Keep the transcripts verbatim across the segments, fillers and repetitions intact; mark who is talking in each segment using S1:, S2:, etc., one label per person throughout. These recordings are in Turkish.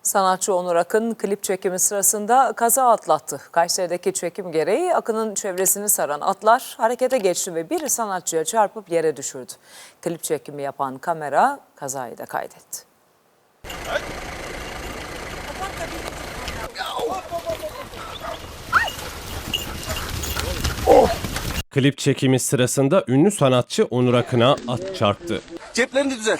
S1: Sanatçı Onur Akın klip çekimi sırasında kaza atlattı. Kayseri'deki çekim gereği Akın'ın çevresini saran atlar harekete geçti ve biri sanatçıya çarpıp yere düşürdü. Klip çekimi yapan kamera kazayı da kaydetti.
S2: Klip çekimi sırasında ünlü sanatçı Onur Akın'a at çarptı.
S3: Ceplerini düzelt.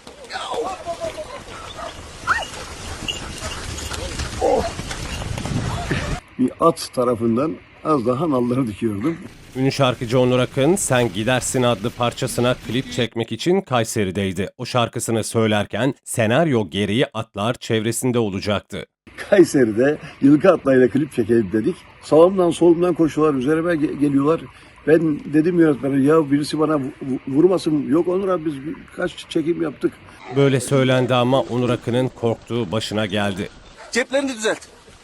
S4: Bir at tarafından az daha nalları dikiyordum.
S2: Ünlü şarkıcı Onur Akın Sen Gidersin adlı parçasına klip çekmek için Kayseri'deydi. O şarkısını söylerken senaryo gereği atlar çevresinde olacaktı.
S4: Kayseri'de yılkı atlayla klip çekelim dedik. Sağımdan solumdan koşuyorlar, üzerime ge- geliyorlar. Ben dedim yönetmene ya birisi bana vu- vurmasın. Yok Onur abi biz kaç çekim yaptık.
S2: Böyle söylendi ama Onur Akın'ın korktuğu başına geldi.
S3: Ceplerini düzelt.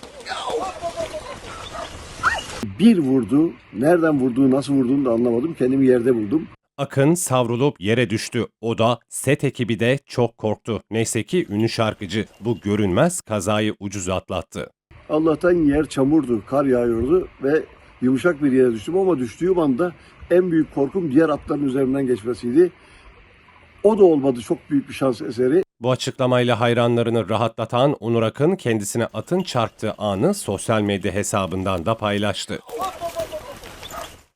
S4: Bir vurdu, nereden vurduğu, nasıl vurduğunu da anlamadım. Kendimi yerde buldum.
S2: Akın savrulup yere düştü. O da set ekibi de çok korktu. Neyse ki ünlü şarkıcı bu görünmez kazayı ucuz atlattı.
S4: Allah'tan yer çamurdu, kar yağıyordu ve yumuşak bir yere düştüm ama düştüğüm anda en büyük korkum diğer atların üzerinden geçmesiydi. O da olmadı, çok büyük bir şans eseri.
S2: Bu açıklamayla hayranlarını rahatlatan Onur Akın kendisine atın çarptığı anı sosyal medya hesabından da paylaştı.